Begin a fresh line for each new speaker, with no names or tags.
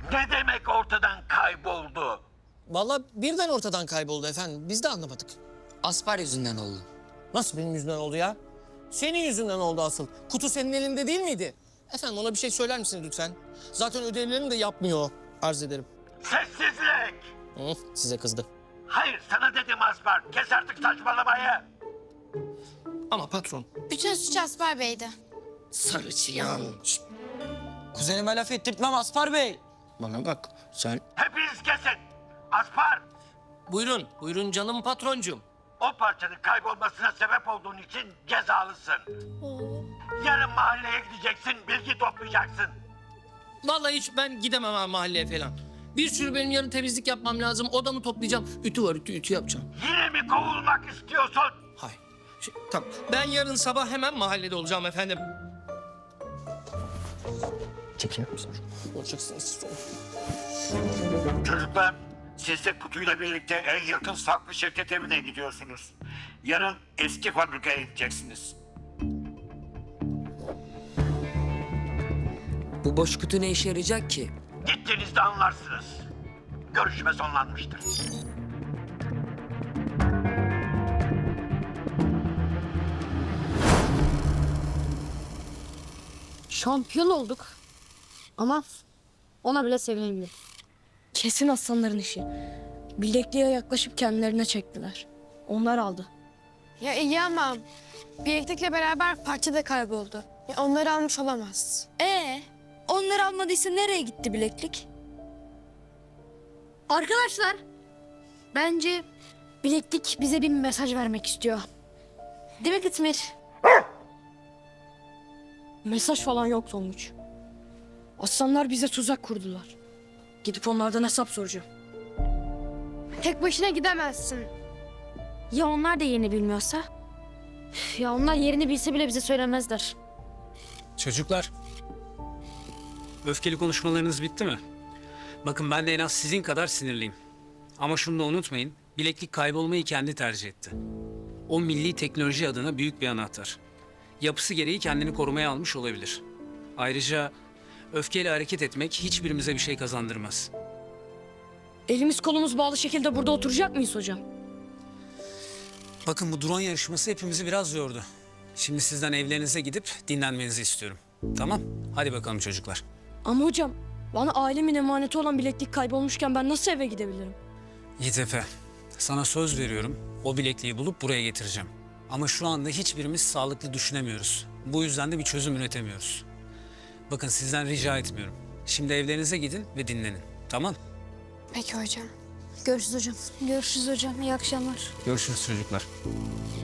Ne demek ortadan kayboldu?
Vallahi birden ortadan kayboldu efendim. Biz de anlamadık.
Aspar yüzünden oldu.
Nasıl benim yüzümden oldu ya? Senin yüzünden oldu asıl. Kutu senin elinde değil miydi? Efendim ona bir şey söyler misiniz lütfen? Zaten ödevlerini de yapmıyor o. Arz ederim.
Sessizlik!
Size kızdı.
Hayır sana dedim Aspar. Kes artık saçmalamayı.
Ama patron.
Bütün suç Aspar Bey'di.
Sarı çıyan.
Kuzenime laf ettirtmem Aspar Bey.
Bana bak sen.
Hepiniz kesin. Aspar,
Buyurun, buyurun canım patroncum.
o parçanın kaybolmasına sebep olduğun için cezalısın. Yarın mahalleye gideceksin, bilgi toplayacaksın.
Vallahi hiç ben gidemem ha mahalleye falan. Bir sürü benim yarın temizlik yapmam lazım. Odamı toplayacağım. Ütü var, ütü yapacağım.
Yine mi kovulmak istiyorsun?
Hay. Tamam. Ben yarın sabah hemen mahallede olacağım efendim. Çekilir misin? Olacaksınız.
Çocuklar, siz de kutuyla birlikte en yakın saklı şirket evine gidiyorsunuz. Yarın eski fabrikaya gideceksiniz.
Bu boş kutu ne işe yarayacak ki?
Gittiğinizde anlarsınız. Görüşme sonlanmıştır.
Şampiyon olduk. Ama ona bile sevindim. Kesin aslanların işi. Bilekliğe yaklaşıp kendilerine çektiler. Onlar aldı.
Ya iyi ama bileklikle beraber parça da kayboldu. Ya onları almış olamaz.
Onlar almadıysa nereye gitti bileklik? Arkadaşlar, bence bileklik bize bir mesaj vermek istiyor. Değil mi Kıtmir? Mesaj falan yok Tonguç. Aslanlar bize tuzak kurdular. Gidip onlardan hesap soracağım.
Tek başına gidemezsin.
Ya onlar da yerini bilmiyorsa? Ya onlar yerini bilse bile bize söylemezler.
Çocuklar, öfkeli konuşmalarınız bitti mi? Bakın ben de en az sizin kadar sinirliyim. Ama şunu da unutmayın, bileklik kaybolmayı kendi tercih etti. O milli teknoloji adına büyük bir anahtar. Yapısı gereği kendini korumaya almış olabilir. Ayrıca öfkeyle hareket etmek hiçbirimize bir şey kazandırmaz.
Elimiz kolumuz bağlı şekilde burada oturacak mıyız hocam?
Bakın bu drone yarışması hepimizi biraz yordu. Şimdi sizden evlerinize gidip dinlenmenizi istiyorum. Tamam? Hadi bakalım çocuklar.
Ama hocam bana ailemin emaneti olan bileklik kaybolmuşken ben nasıl eve gidebilirim?
Yiğit Efe, sana söz veriyorum. O bilekliği bulup buraya getireceğim. Ama şu anda hiçbirimiz sağlıklı düşünemiyoruz. Bu yüzden de bir çözüm üretemiyoruz. Bakın sizden rica etmiyorum. Şimdi evlerinize gidin ve dinlenin. Tamam?
Peki hocam.
Görüşürüz hocam. Görüşürüz hocam. İyi akşamlar.
Görüşürüz çocuklar.